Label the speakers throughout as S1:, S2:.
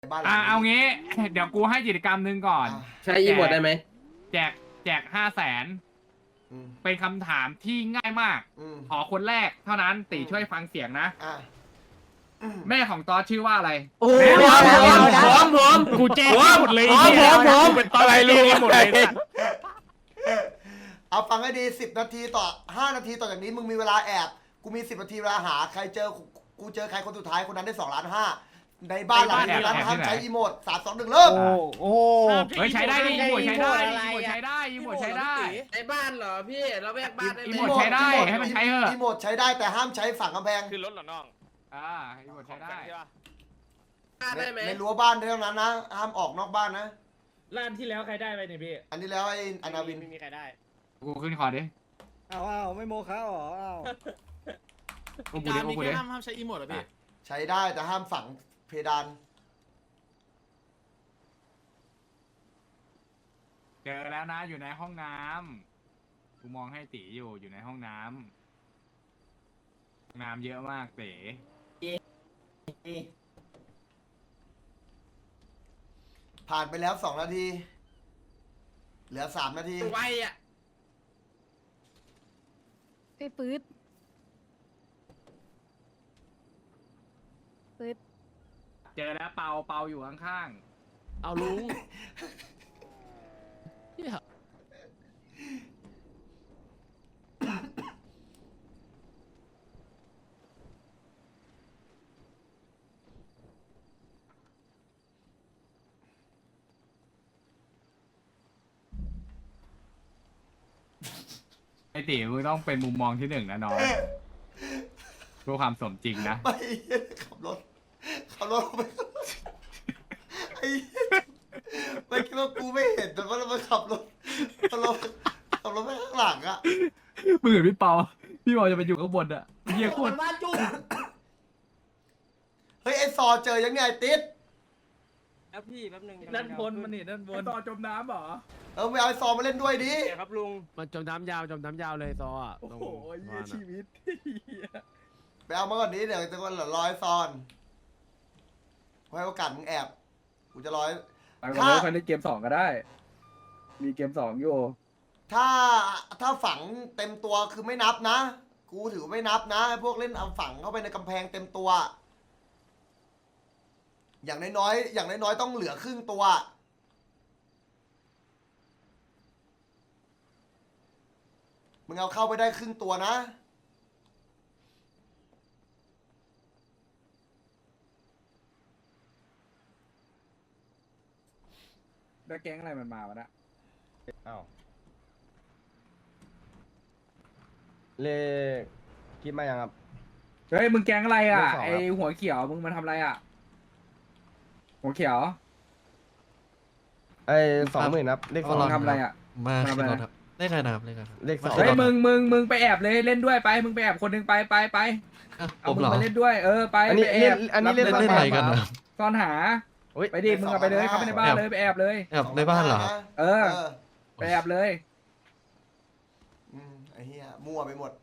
S1: บ้านหลังนี้
S2: เอางี้ เดี๋ยวกูให้กิจกรรมหนึ่งก่อน
S3: ใช้อีโมดได้ไหม
S2: แจก500,000
S1: อืม
S2: เป็นคำถามที่ง่ายมาก
S1: อืม
S2: ขอคนแรกเท่านั้นตีช่วยฟังเสียงนะ
S1: อ่ะ
S2: แม่ของตอสชื่อว่าอะไร
S3: โอ้โหผม
S4: กูแจ้งหมดเลย
S3: ผม
S4: เป็นตอนอะไรรู้หมดเลย
S1: เอาฟังให้ดี10 นาทีต่อ5 นาทีต่อจากนี้มึงมีเวลาแอบกูมี10 นาทีเวลาหาใครเจอกูเจอใครคนสุดท้ายคนนั้นได้2.5 ล้านในบ้านหลังนี้นั้นห้ามใช้อีโมด3 2 1เริ่ม
S4: โอ้
S2: เฮ้ยใช้ได้ดิอีโมดใช้ได้อีโมดใช้ได้อีโมดใช้ได้
S3: ในบ้านเหรอพี่เราแยกบ้านได้ไห
S2: อี
S3: ม
S2: โมดใช้ได้ให้มันใช้เถอะ
S1: อีโมดใช้ได้แต่ห้ามใช้ฝั่งกำแพง
S5: คือรถเหรอน้อง
S2: อีโมดใช้ได้
S5: ใช่ปะ
S3: บ้านได้ไหม
S1: ในรั้วบ้านเท่านั้นนะห้ามออกนอกบ้านนะ
S4: ร้านที่แล้วใครได้ไปเนี่ยพี่
S1: อันนี้แล้วไอ้อนาวิน
S5: ไม่มีใครได้
S2: กูขึ้นคอดิ
S6: เอาไม่โมคะหรอเอา
S2: กูดิกูดิ
S4: ห้ามใช้อีโมดเหรอพี่
S1: ใช้ได้แต่ห้ามฝังเพดาน
S2: เจอแล้วนะอยู่ในห้องน้ำกูมองให้ตีอยู่ในห้องน้ำน้ำเยอะมากเต๋
S1: ผ่านไปแล้ว2 นาที เหลือ3 นาที
S3: ไวอ่ะ
S7: ไอ้ปื๊ดปื๊ด
S2: เจอแล้วเปาอยู่ข้าง
S4: เอาลุง
S2: ๆไอตีมึงต้องเป็นมุมมองที่1นะน้องเพื่อความสมจริงนะ
S1: ไม่ขับรถไปไอ้ไม่คิดว่ากูไม่เห็นแต่ว่าเราขับรถไปข้างหลังอะ
S2: มึงเห็นพี่เปาจะไปอยู่ข้างบนอะเฮียโคตร
S1: เฮ้ยไอ้ซอเจอยังไงติด
S3: แล้วพี่แป๊บนึง
S4: ด้านบนมันนี่ด้านบน
S2: ต่อจมน้ำเหรอ
S1: ไม่เอาไอ้ซอมาเล่นด้วยดิ
S5: ครับลุง
S4: มันจมน้ำยาวเลยซออ่ะ
S6: โอ้โหเยี่ยชีวิต
S1: ไปเอามาก่อนนี้เดี๋ยวจะวันละร้อยซอนให้โอกาสมึงแอบกูจะร้อย
S6: ไปก่อนเลยค่อยเล่นเกม2ก็ได้ มีเกม2อยู่
S1: ถ้าฝังเต็มตัวคือไม่นับนะ กูถือไม่นับนะไอ้พวกเล่นเอาฝังเข้าไปในกำแพงเต็มตัว อย่างน้อยต้องเหลือครึ่งตัว มึงเอาเข้าไปได้ครึ่งตัวนะ
S6: แล้วแก๊งอะไรมันมาวะนะ
S8: อ้าวเลขคิดมายังครับ
S6: เฮ้ยมึงแก๊งอะไรอ่ะ
S8: เลข2
S6: ไอหัวเขียวมึงมาทำอะไรอ่ะ หัวเขียว
S8: ไอ้20,000ครับ เลข
S6: มึงทำอะไรอ่ะ
S9: มา
S6: ทำอะไร
S9: ขึ้นรถครับเลขอะไรนะครับเลขอะไรครับ
S8: เลข 2
S6: เฮ้ยมึงไปแอบเลยเล่นด้วยไป มึงไปแอบคนหนึงไป
S9: อ่ะผ
S6: เอา
S9: ม
S6: มึง
S9: เหรอ
S6: มาเล่นด้วยไป
S8: อันนี้
S6: ไปแอ
S8: เล่น
S6: บ
S8: อันนี้เล่น
S9: เล่นอะไรกันนะ
S6: ซ่อนหา
S8: โอ้ย
S6: ไปดิมึงเอาไปเลยเข้าไปในบ้านเลยไปแอบเลย
S9: แอบในบ้านเหรอครับ
S6: เออ ไปแอบเลย
S1: ไอ้เหี้ยมั่วไปหมด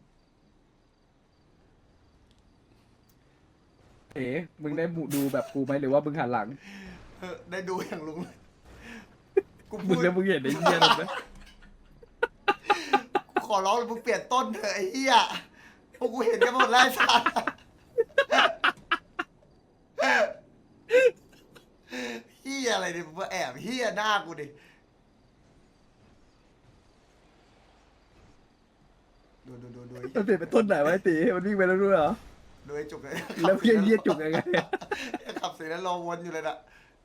S6: เอ๋มึงได้ดูแบบกูไหมหรือว่ามึงหันหลัง
S1: ได้ดูอย่างลุงเลยกู
S6: มึ
S1: พู
S6: ง
S1: ด
S6: แล้วมึงเห็นไอ้เหี้ยนั่นไหม
S1: กูขอร้องเลยมึงเปลี่ยนต้นเถอะไอ้เหี้ยพวกกูเห็นกันหมดแล้วไอ้สัสเหี้ยอะไรเนี่ยมึงมาแอบเหี้ยหน้ากูดิดูไอ้
S6: มันเปลี่ยนเป็นต้นไหนวะไอ้ตีมันวิ่งไปแล้วด้วยเหรอ
S1: ดูไอ้จุกเลย
S6: แล้วเหี้ยเหี้ยจุกยังไง
S1: ขับเสร็จแล้วรอวนอยู่เลยนะ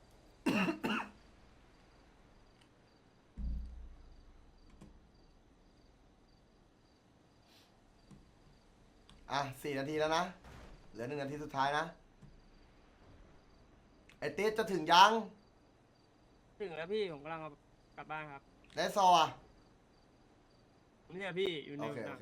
S1: อ่ะ4 นาทีแล้วนะ เหลือ1 นาทีสุดท้ายนะ ไอ้ติ๊ดจะถึงยัง
S3: ถึงแล้วพี่ผมกำลังกลับบ้านครับ
S1: และซออ่ะ
S3: เนี่ยพี่อยู่ใน
S1: โอเค โอเค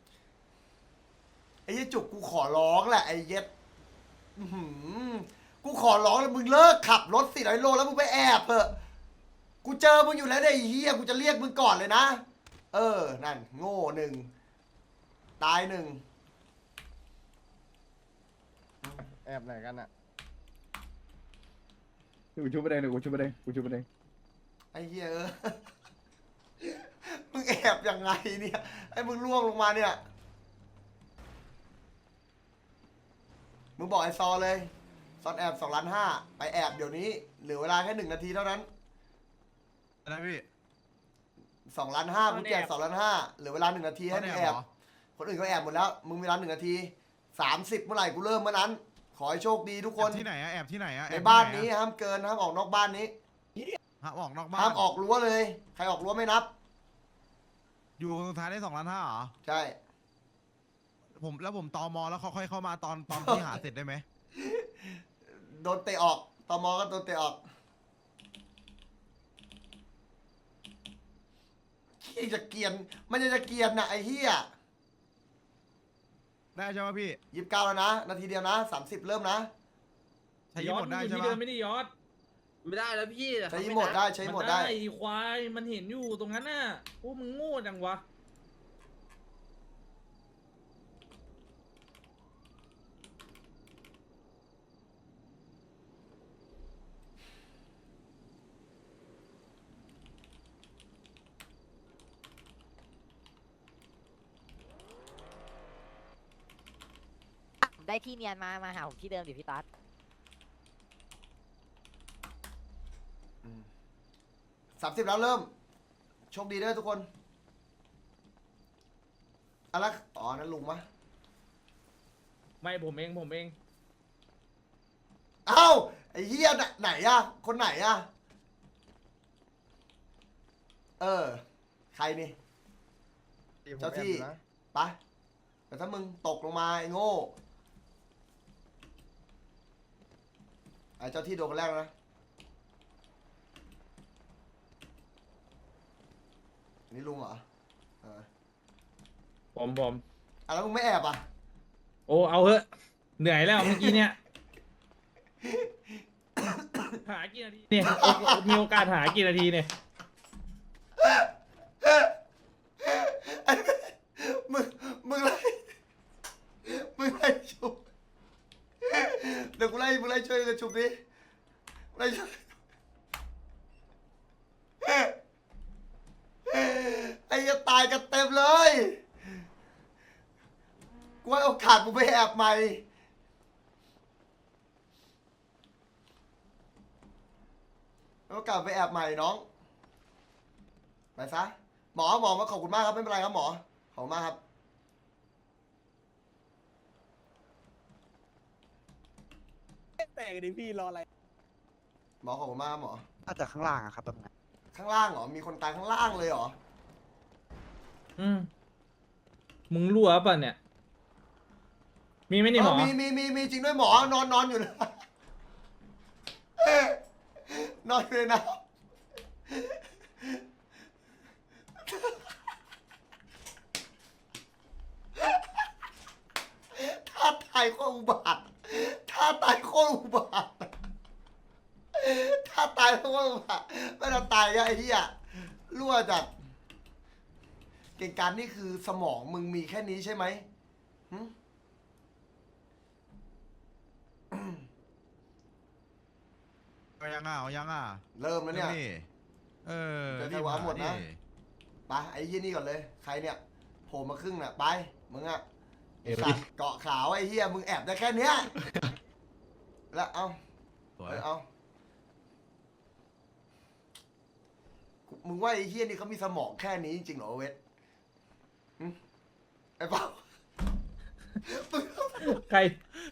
S1: ไอ้ยี่จุกกูขอร้องแหละไอ้เย็ดอื้อหือกูขอร้องเลยมึงเลิกขับรถ400 โลแล้วมึงไปแอบเถอะกูเจอมึงอยู่แล้วเนี่ยไอ้เฮียกูจะเรียกมึงก่อนเลยนะนั่นโง่หนึ่งตายหนึ่ง
S8: แอบไหนกันอ่ะ
S6: กูชุบไปเองกูชุบไปเองกูชุบไปเอง
S1: ไอ้เหี้ยมึงแอบยังไงเนี่ยไอ้มึงล่วงลงมาเนี่ยมึงบอกไอ้ซอเลยซอนแอบ2,500,000ไปแอบเดี๋ยวนี้เหลือเวลาแค่1 นาทีเท่านั้น
S5: อะไรพี่
S1: 2,500,000มึงแจก2,500,000เหลือเวลา1 นาทีให้มึงแอบคนอื่นเขาแอบหมดแล้วมึงมีเวลา1 นาที30เมื่อไหร่กูเริ่มเมื่อนั้นขอให้โชคดีทุกคน
S5: ที่ไหนอะแอบที่ไหนอะ
S1: ในบ้านนี้ห้ามเกินห้ามออกนอกบ้านนี้
S5: ห้ามออกนอกบ้าน
S1: ห้ามออกรั้วเลยใครออกรั้วไม่นับ
S5: อยู่คนสุดท้ายได้2,500,000เหรอ
S1: ใช่
S5: ผมตมแล้วเขาค่อยเข้ามาตอนที่หาเสร็จได้ไหม
S1: โดนเตะออกตมก็โดนเตะออกขี้จะเกียนมันจะเกียนนะไอ้เหี้ย
S5: ได้ใช่ไหมพี่
S1: 29แล้วนะนาทีเดียวนะ30เริ่มนะ
S5: ใช้ยี่หมดได้ใช่ไหม
S4: ที่เดิมไม่ได้ยอด
S3: ไม่ได้แล้วพี่
S1: ใช้หมดได้ใช้หมดได้
S4: ควายมันเห็นอยู่ตรงนั้นน่ะพวกมึงโง่จังวะ
S7: ได้ที่เนียนมาหาผมที่เดิมดิพี่ตั๊ด
S1: 30แล้วเริ่มโชคดีด้วยทุกคนอะไรอ๋อนั่นลุงมะ
S4: ไม่ผมเอง
S1: เอ้าไอ้เหี้ยไหนอะคนไหนอะใครนี่ เจ้าที่ ไปแต่ถ้ามึงตกลงมาไอ้โง่ไอ้เจ้าที่โดนคนแรกแล้วนะอันนี่ลุงเหรอ
S4: ผม
S1: แล้วมึงไม่แอบอ่ะ
S4: โอ้เอาเถอะเหนื่อยแล้วเมื่อกี้เนี่ย หากี่นาทีเนี่ยมีโอกาสหากี่นาทีเนี่ย
S1: มึงไล่ชุบเดี๋ยวมึงไล่ช่วยกันชุบดิไล่ช่วยไอ้จะตายกันเต็มเลยกูให้โอกาสมึงไปแอบใหม่โอกาสไปแอบใหม่น้องไปซะหมอมาขอบคุณมากครับไม่เป็นไรครับหมอขอบคุณมากครับ
S3: แตกดิพี่รออะไร
S1: หมอขอบคุณมากครับหมอ
S3: อาจจะข้างล่างอะครับแบบนั้น
S1: ข้างล่างเหรอมีคนตายข้างล่างเลยเหรอ
S4: มึงรั่วป่ะเนี่ย มีไหมนี่หมอ
S1: มีจริงด้วยหมอนอนอยู่นะ นอนอยู่เลยนะท่าตายโคตรอุบาทท่าตายโคตรอุบาทท่าตายโคตรอุบาทไม่ต้องตายไอ้เหี้ยรั่วจัดเก่งการนี่คือสมองมึงมีแค่นี้ใช่ไหมหึ
S5: เอายังอ่ะ
S1: เริ่มแล้วเนี่ย
S5: เออ
S1: เดี๋ยวจะวางหมดนะ ไปไอ้ยี่นี่ก่อนเลย ใครเนี่ยโผล่มาครึ่งน่ะไปมึงอะไอ้สัตว์เกาะขาวไอ้เฮียมึงแอบได้แค่เนี้ยแล้วเอา
S5: สวย
S1: เอามึงว่าไอ้เฮียนี่เขามีสมองแค่นี้จริงเหรอเวทหึไอ้เปล่ามึง
S4: ใคร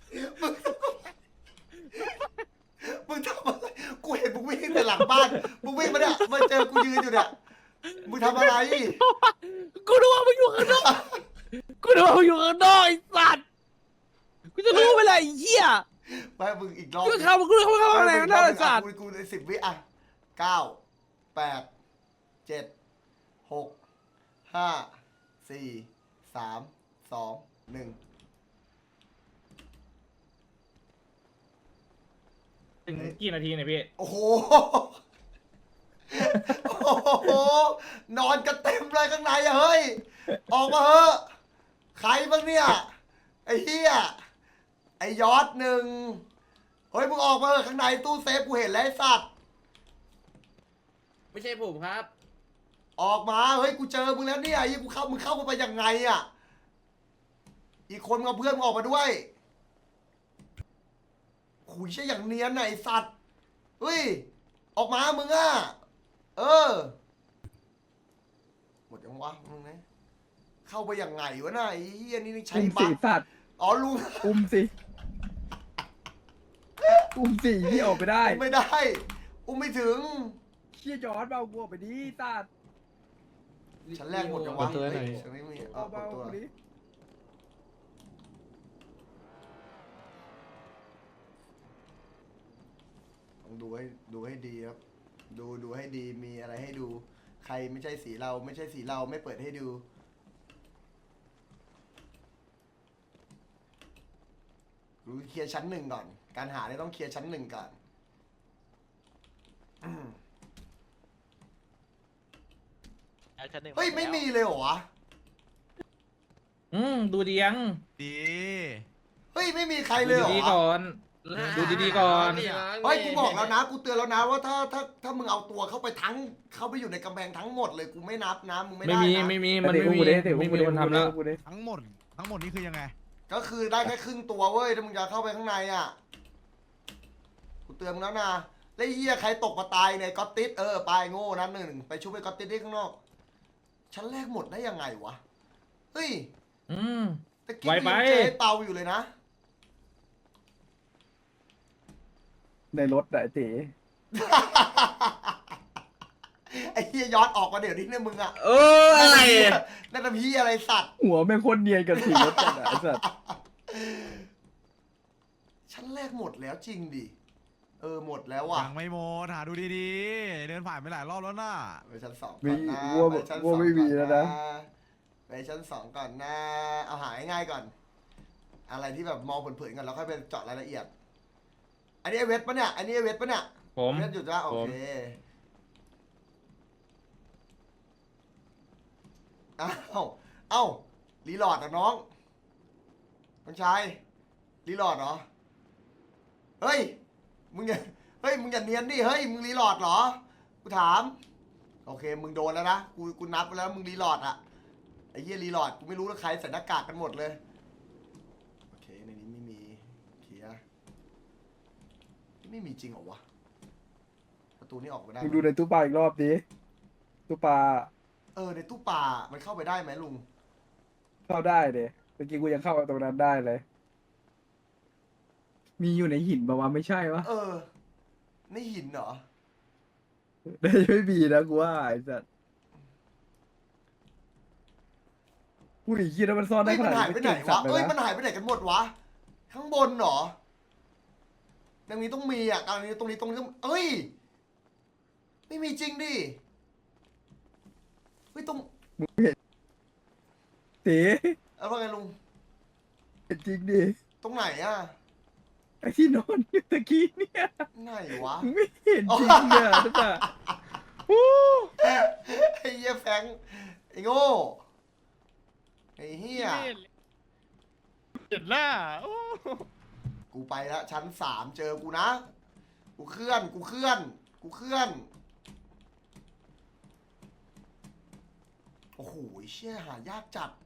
S1: มึงทำอะไรกูเห็นมึงวิ่งแต่หลังบ้านมึงวิ่งมาเนี่ยมาเจอกูยืนอยู่เนี่ยมึงทำอะไร
S4: กูนึกว่ามึงอยู่ข้างนอกไอ้สัตว์กูจะรู้ไปเลยไอ้เหี้ย
S1: ไปมึงอีกรอบ
S4: กูเข้าข้างในนั่นไอ้สัตว์
S1: กูใน10 วิอ่ะ9 8 7 6 5 4 3 2 1
S4: ถึงกี่นาทีเนี่ยพี่
S1: โอ้โห โอ้โห นอนกันเต็มเลยข้างในอะเฮ้ย ออกมาเถอะใครบ้างเนี่ย ไอ้เหี้ย ไอ้ยอดหนึ่งเฮ้ยมึงออกมาเถอะข้างในตู้เซฟกูเห็นแล้วไอ้สัตว์
S4: ไม่ใช่ผมครับ
S1: ออกมา เฮ้ยกูเจอมึงแล้วเนี่ยยี่กูเข้ามึงเข้ามาไปยังไงอะอีกคนมึงเอาเพื่อนมึงออกมาด้วยขุยใช่อย่างเนียนน่ะไอ้สัตว์ เฮ้ย ออกมามึงอะเออ หมดยังวะมึงนะเข้าไปยังไงวะน่ะไอ้เฮียนี่ใช้
S6: อุ้ม
S1: บั
S6: สี
S1: ฟ
S6: สัตว์
S1: อ๋อลุง
S6: อุ้มสิอุ้มสีที่ออกไปได้
S1: อุ้มไม่ได้ อุ้มไม่ถึง
S6: เชี่ยจอร์ดเบากูออกไปดิสัตว์
S1: ชั้นแรกหมดยังวะ
S9: เปิดตัวหน่อย
S1: เฮ้ยฉันไม่มี
S6: เอา
S1: เปิ
S6: เบา
S1: ดตัว
S6: กูดิ
S1: ต้องดูให้ดีครับ ดูให้ดีมีอะไรให้ดู ใครไม่ใช่สีเราไม่ใช่สีเราไม่เปิดให้ดูรู้เคลียร์ชั้นหนึ่งก่อน การหาเนี่ยต้องเคลียร์ชั้นหนึ่งก่อนเฮ้ยไม่มีเลยเหรอวะ
S4: ดูดียัง
S5: ดี
S1: เฮ้ยไม่มีใครเลยเหรอ
S4: ดีๆก่อน ดูดีๆก่อน
S1: เฮ้ยกูบอกแล้วนะกูเตือนแล้วนะว่าถ้ามึงเอาตัวเข้าไปเข้าไปอยู่ในกำแพงทั้งหมดเลยกูไม่นับนะมึงไม่ได้
S4: ไม่มี
S1: นะ
S4: ไม่มีมันไม่มี ไม่มีคนทำแล้ว
S5: ทั้งหมดนี่คือยังไง
S1: ก็คือได้แค่ครึ่งตัวเว้ยถ้ามึงจะเข้าไปข้างในอ่ะกูเตือนมึงแล้วนะแล้วไอ้เหี้ยใครตกมาตายในก๊อตติสไปโง่นะหนึ่งไปชุบไปก๊อตติสที่ข้างนอกชั้นแรกหมดได้ยังไงวะเฮ้ย ตะกี้
S4: ไว
S1: กู
S4: ไป
S1: ยังเจอไอ้เปาอยู่เลยนะ
S6: ในรถอะไอ้เต๋
S1: ไอ้เฮียย้อนออกมาเดี๋ยวนี้เนี่ยมึงอะ
S4: อะไร
S1: นั่นทำพี่อะไรสัตว์
S6: หัวแม่งโคตรเนียนกับสีรถจัดอะไอ้สัตว์
S1: ชั้นแรกหมดแล้วจริงดิหมดแล้วว่ะ
S5: ยังไม่หมดหาดูดีๆ เดินผ่านไปหลายรอบแล้วน่ะ
S1: ไปชั้นสอง
S6: มี
S1: ก่อนนะ
S6: วัว
S1: ไปชั้น
S6: วัวไม่มีแล้วนะ
S1: ไปชั้นสองก่อนนะเอาหาง่ายๆก่อน อะไรที่แบบมองเผินๆก่อนแล้วค่อยไปเจาะรายละเอียด อันนี้ไอเวทปะเนี่ยอันนี้ไอเวทปะเนี่ย
S4: ผม
S1: เวทหยุดละโอเคเอ้ารีโหลอดอ่ะน้องชายรีโหลอดเหรอเฮ้ยมึงอย่าเนียนดิเฮ้ยมึงรีโหลอดเหรอกูถามโอเคมึงโดนแล้วนะกูนับไปแล้วมึงรีโหลอดอะไอ้เหี้ยรีโหลอดกูไม่รู้ว่าใครใส่หน้ากากกันหมดเลยโอเคในนี้ไม่มีเคลียร์ไม่มีจริงเหรอวะประตูนี้ออกไปได้
S6: มึง
S1: ไหม
S6: ดูในตู้ปลาอีกรอบดิตู้ปลา
S1: ในตู้ป่ามันเข้าไปได้ไหมลุง
S6: เข้าได้เด้เมื่อกี้กูยังเข้าไปตรงนั้นได้เลย มีอยู่ในหินปะวะไม่ใช่วะ
S1: ในหินเหรอ
S6: ได้ไม่มีนะกูว่าไอ้สัตว์กูหนีคิดว่ามันซ่อนได้
S1: เฮ้ย
S6: ข
S1: มัน
S6: นาด
S1: หายไปไหน
S6: เก่งสั
S1: วะ
S6: ตว์เล
S1: เอ้
S6: ย
S1: ยมัน
S6: นะ
S1: หายไปไหนกันหมดวะ ข้างบนเหรอตรงนี้ต้องมีอ่ะตรงนี้ต้องเอ้ย ไม่มีจริงดิ เฮ้ยตรง
S6: เต๋
S1: เอาว่าไงลุง
S6: เป็นจริงดิ
S1: ตรงไหนอ่ะ
S6: ไอ้ที่นอนอยู่ตะกี้เนี่ย
S1: ไหนวะ
S6: มึงไม่เห็นจริงเนี่ยนะจ๊ะโอ้
S1: ไอ้เหี้ยแฟงไอ้โง่ไอ้เหี้ย
S4: เห็นหน้า
S1: กูไปแล้วชั้น3เจอกูนะ กูเคลื่อน โอ้โหเชี่ยหายากจัด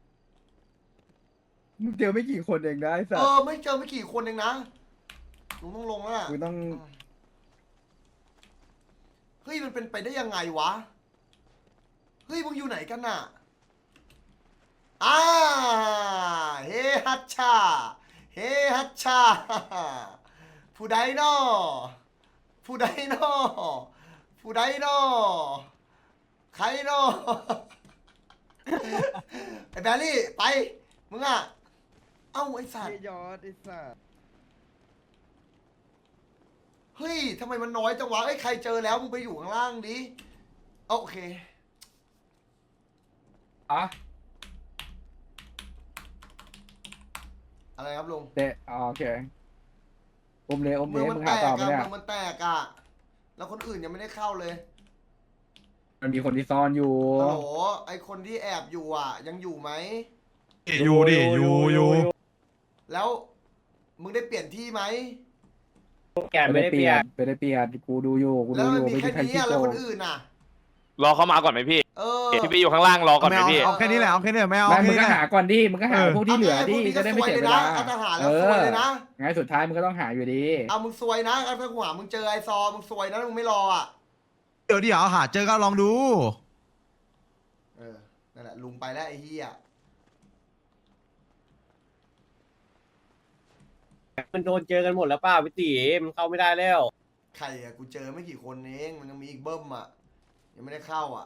S6: มึงเจอไม่กี่คนเองนะไอ้สัตว์
S1: ไม่เจอไม่กี่คนเองนะลุงต้องลงแล้วล่ะ
S6: มึงต้อง
S1: เฮ้ยมันเป็นไปได้ยังไงวะ เฮ้ยมึงอยู่ไหนกันน่ะเฮฮัชชาเฮฮัชชาผู้ใดนอผู้ใดนอผู้ใดนอใครนอ ไอ้แบรี่ไปมึงอ่ะเอ้าไอ้สัตว์
S6: ยอดไอ้สัตว์
S1: เฮ้ย ทำไมมันน้อยจังวะเอ้ย ใครเจอแล้วมึงไปอยู่ข้างล่างดิ โอเค
S6: อะไรครับลุง
S1: เตะโอเค
S6: อมเลยอม
S1: เมื
S6: เล
S1: อง
S6: ย
S1: มัน
S6: มึง
S1: แต
S6: หาก ต่อมา
S1: อะ
S6: เนี่ย
S1: เมืองมันแตกอะแล้วคนอื่นยังไม่ได้เข้าเลย
S6: มันมีคนที่ซ่อนอยู่
S1: ฮัลโหลไอคนที่แอบอยู่อ่ะ ยังอยู่ไหม
S5: อยู่ดิอยู่
S1: แล้วมึงได้เปลี่ยนที่ไหม
S3: แกไม่ได้เปลี่ยน
S6: ไม่ได้เปลี่ยนกูดูอยู่กู
S1: แล้
S6: ดู
S1: ว
S6: อ
S1: มัน
S6: ยู่
S1: มี
S6: ไม่
S1: แค่
S6: มีใคร
S1: นี้
S6: ขี้
S1: อะ
S6: โก
S1: แล้วค
S6: ง
S1: นอื่นอ่ะ
S10: รอเขามาก่อนไหมพี่
S1: เออ
S10: ที่พี่อยู่ข้างล่างรอก่อนไหม
S5: ไม่เอา
S10: พี่
S5: เอาแค่นี้แหละเอาแค่นี้แหละไม่เอา
S6: ไม่มึ
S5: แค่
S6: ง
S5: นี้
S6: ก็
S5: แหละ
S6: หาก่อนดิมึงก็หาพวกที่เหลือดิ
S1: พวกนี้
S6: จะได้ไม่เสียเว
S1: ก็ซวยเลย
S6: ลา
S1: นะเอาทหารแล้วซวยเลยนะ
S6: ไงสุดท้ายมึงก็ต้องหาอยู่ดี
S1: เอามึงซวยนะถ้ากูหามึงเจอไอซอมึงซวยนะมึงไม่รออ่ะ
S5: เดี๋ยวหาเจอก็ลองดู
S1: เออ นั่นแหละลุงไปแล้วไอ้เหี้ย
S3: มันโดนเจอกันหมดแล้วป้าพี่ตีมันเข้าไม่ได้แล้ว
S1: ใครอะกูเจอไม่กี่คนเองมันยังมีอีกเบิ้มอ่ะยังไม่ได้เข้าอ่ะ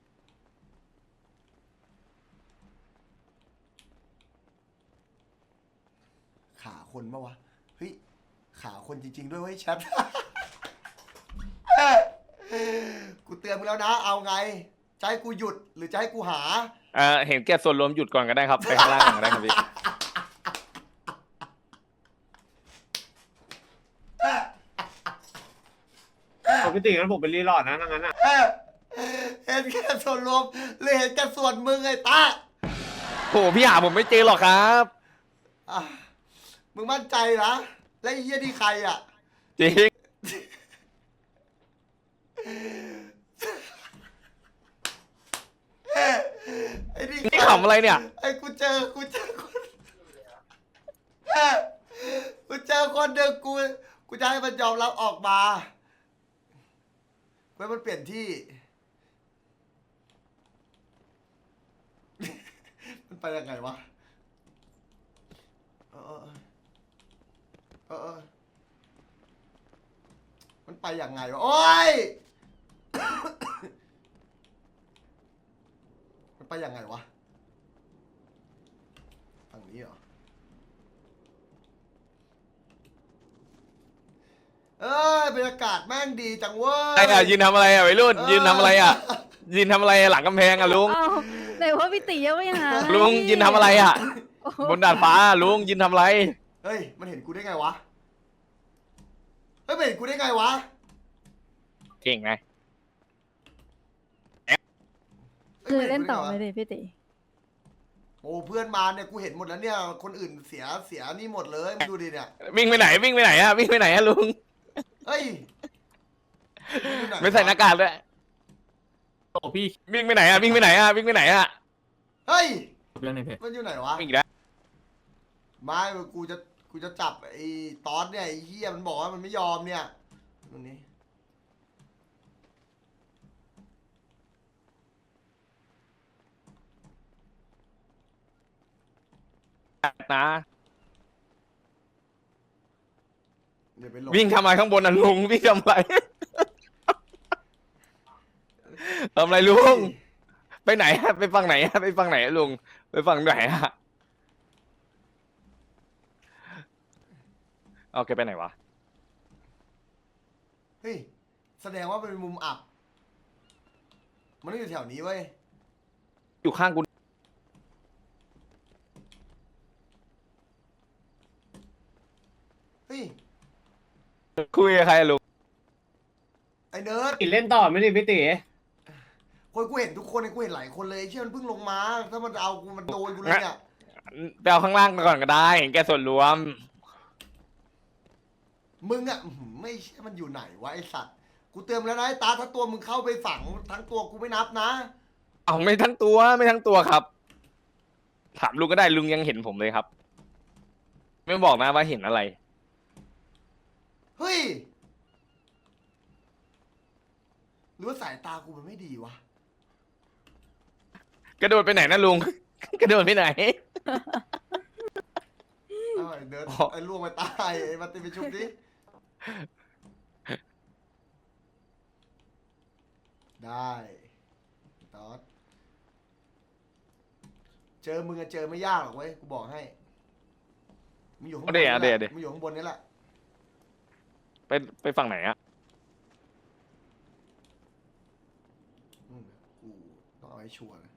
S1: ขาคนปะวะเฮ้ยขาคนจริงๆด้วยเว้ยแชท กูเตือนมึงแล้วนะเอาไงจะให้กูหยุดหรือจะให้กูหา
S10: เห็นแก่ส่วนรวมหยุดก่อนก็ได้ครับ ไปข้างล่างก่อนก็ได้ครับพี่
S3: พี่ตีงั้นผมเป็นรีลอดนะงั้นอ่ะ
S1: เห็นแค่ส่วนรวมหรือเห็นแค่ส่วนมึงไอ้ตา
S10: โหพี่หาผมไม่เจอหรอกครับ
S1: อ่ะมึงมั่นใจนะและไอ้เหี้ยนี่ใครอ่ะ
S10: จริง
S1: ไอ้นี่
S10: นี่ขำอะไรเนี่ย
S1: ไอ้กูเจอคนกูเจอคนหนึ่งกูจะให้มันยอมรับออกมาเพื่อมันเปลี่ยนที่ มันไปยังไงวะเออมันไปยังไงวะ โอ้ย มันไปยังไงวะฝั่งนี้เหรอ เอ้ยบรรยากาศแม่งดีจังเว้ย
S10: ไอ้อะยืนทำอะไรอะวัยรุ่นยืนทำอะไรอะยืนทำอะไรหลังกำแพงอะลุง
S11: อ้าวไหนว่าพี่ตียังไม่หา
S10: ลุงยืนทำอะไรอะ
S11: โอ้โห
S10: บนดาดฟ้าลุงยืนทำอะไร
S1: เฮ้ย มันเห็นกูได้ไงวะ เฮ้ยมันเห็นกูได้ไงวะ
S10: เก่งไง
S11: คือเล่นต่อไหมดิพี่ตี
S1: โอ้เพื่อนมาเนี่ยกูเห็นหมดแล้วเนี่ย คนอื่นเสียนี่หมดเลยมึงดูดิเนี่ย
S10: วิ่งไปไหนวิ่งไปไหนอะวิ่งไปไหนอะลุง
S1: เฮ้ยงอยู่หน
S10: ไม่ใส่หน้ากากด้วย
S2: โอ้พี่
S10: วิ่งไปไหนอะวิ่งไปไหนอะวิ่งไปไหนอะ
S1: เฮ้ย
S2: เรื่องในเพจ
S1: มันอยู่ไหนวะ
S10: วิ่งอีกแล้ว
S1: ไม่กูจะจับไอ้ตอนเนี่ยไอ้เหี้ยมันบอกว่ามันไม่ยอมเนี่ยตรงนี้
S10: นะ
S1: เดี๋ยวไปหลบ
S10: วิ่งทำอะไรข้างบนน่ะลุงวิ่งทำอะไร ทำอะไรลุงไปไหนอะไปฝั่งไหนอะไปฝั่งไหนอะลุงไปฝั่งไหนอะเอาแกไปไหนวะ
S1: เฮ้ยแสดงว่ามันเป็นมุมอับ มันต้องอยู่แถวนี้เว้ย
S10: อยู่ข้างกู
S1: เฮ้ย
S10: คุยกับใครอะลุง
S1: ไอ้เนิร์ด
S3: ตีเล่นต่อไม่ดิพี่ตี
S1: คนกูเห็นทุกคนกูเห็นหลายคนเลยไอ้เชี่ยมันเพิ่งลงมา ถ้ามันเอากูมันโดนกูเลยเนี่ย
S10: ไปเอาข้างล่างก่อนก็ได้เห็นแกส่วนรวม
S1: มึงอะอื้อหือไม่เชื่อมันอยู่ไหนวะไอสัตว์ กูเตือนแล้วนะไอ้ตาถ้าตัวมึงเข้าไปฝังทั้งตัวกูไม่นับนะ
S10: เอาไม่ทั้งตัวไม่ทั้งตัวครับ ถามลุงก็ได้ลุงยังเห็นผมเลยครับ ไม่บอกนะว่าเห็นอะไร
S1: เฮ้ย หรือว่าสายตากูมันไม่ดีวะ
S10: กระโดดไปไหนนะลุง กระโดดไปไหน
S1: เอาไอ้เนิร์ด
S10: อ๋อ
S1: ไอ้ล่วงไปตายไอ้มาติไปชุบดิ ได้ตอดเจอมึงอะเจอไม่ยากหรอกเว้ย กูบอกให้ มึงอยู่ข้างบน
S10: เอาดิ
S1: นี่
S10: เอา
S1: แห
S10: ดิ
S1: ละ
S10: เอาดิ
S1: มึงอยู่ข้างบนนี่แหละ
S10: ไปฝั่งไหนอะ
S1: กูต้องเอาให้ชัวร์นะ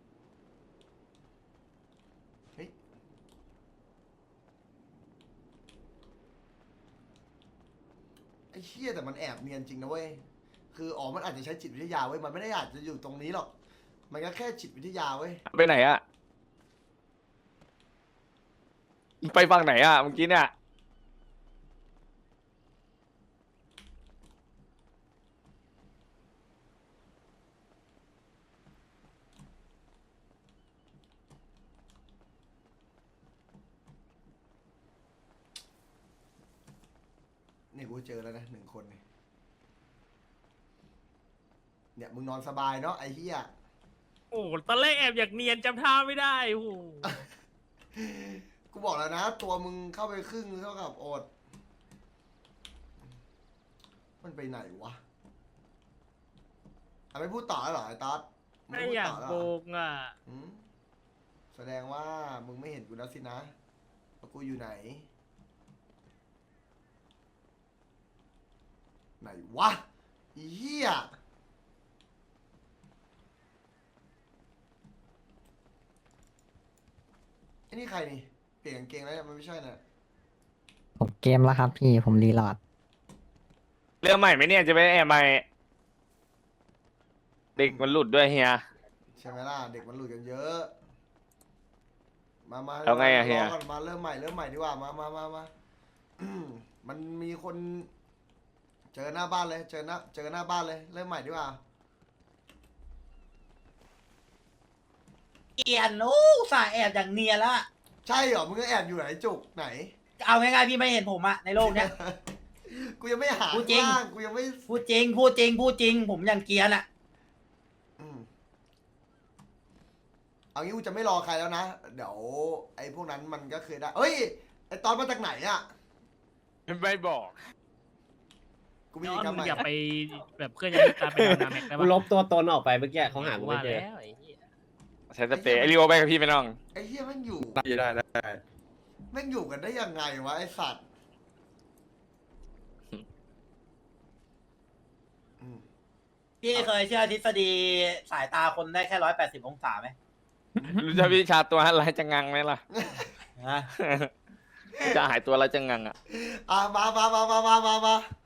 S1: เฮ้ยอ้เหี้ยแต่มันแอบเนียนจริงนะเว้ยคืออ๋อมันอาจจะใช้จิตวิทยาเว้ยมันไม่ได้อาจจะอยู่ตรงนี้หรอกมันก็แค่จิตวิทยาเว้ย
S10: ไปไหนอะไปฝั่งไหนอะเมื่อกี้เนี่ย
S1: เนี่ยกูเจอแล้วนะ1 คนเนี่ยมึงนอนสบายเนาะไอ้เหี้ย
S4: โอ้ตอนแรกแอบอยากเนียนจำท่าไม่ได้โอ้โห
S1: กูบอกแล้วนะตัวมึงเข้าไปครึ่งเท่ากับอดมันไปไหนวะไม่พูดต่อแล้วเหรอไอ้ต๊อดง
S4: ไม่
S1: พูด
S4: อยาก
S1: ต่แล้ว
S4: โก
S1: เหรอง
S4: อ่ะ
S1: หืมแสดงว่ามึงไม่เห็นกูแล้วสินะว่ากูอยู่ไหนไหนวะอีเหี้ยไอ้นี่ใครนี่เปลี่ยนกางเกงแล้วเนี่ยมันไม่ใช่นะ
S7: ผมเกมแล้วครับพี่ผมรีโหลด
S10: เรื่องใหม่ไหมเนี่ยจะไปแอบใหม่ เด็กมันหลุดด้วยเฮีย
S1: ใช่ไหมล่ะเด็กมันหลุดกันเยอะ มา
S10: เอาไงอะเฮีย
S1: รก่อนมาเริ่มใหม่ดีกว่ามามันมีคน เจอหน้าบ้านเลยเจอหน้าบ้านเลยเริ่มใหม่ดีกว่า
S3: เกียนโอ้สายแอบอย่างเนียนละ
S1: ใช่เหรอมึงก็แอบอยู่ไหนจุกไหน
S3: เอาง่ายๆพี่ไม่เห็นผมอะในโลกเนี้ย
S1: กูยังไม่หา
S3: พูดจริง
S1: ข้างล่างกูยังไม่
S3: พูดจริง ผมอย่างเกียนอะ
S1: อืมเอางี้กูจะไม่รอใครแล้วนะเดี๋ยวไอ้พวกนั้นมันก็เคยได้เฮ้ยไอ้ตอนมาจากไหนอะ
S10: ไม่บอก
S1: กูมี
S4: ย้
S1: อี
S4: อก น
S1: คำใหม่
S4: อย่าไปแบบเคลื่อนย้ายการไปดาวนาแม็กได้
S6: กู
S4: ปะ
S6: ลบตัวตนออกไปเมื่อกี้เขาหากูไม่
S4: ว่า
S6: เจอ
S4: แล้วไอ้เหี้ย
S10: ใช้สเปรย์ไอริโอไปกับพี่ไปน้อง
S1: ไอ้เหี้ยแม่งอยู่
S6: ได้ได้
S1: แม่งอยู่กันได้ยังไงวะไอ้สัตว์อืม
S3: พี่เคยเชื่อทฤษฎีสายตาคนได้แค่180 องศาไหม
S10: รู้จักวิชาตัวอะไรจะงังไหมล่ะ
S3: ฮะ
S10: จะหายตัวอะไรจะงังอ่ะ
S1: มา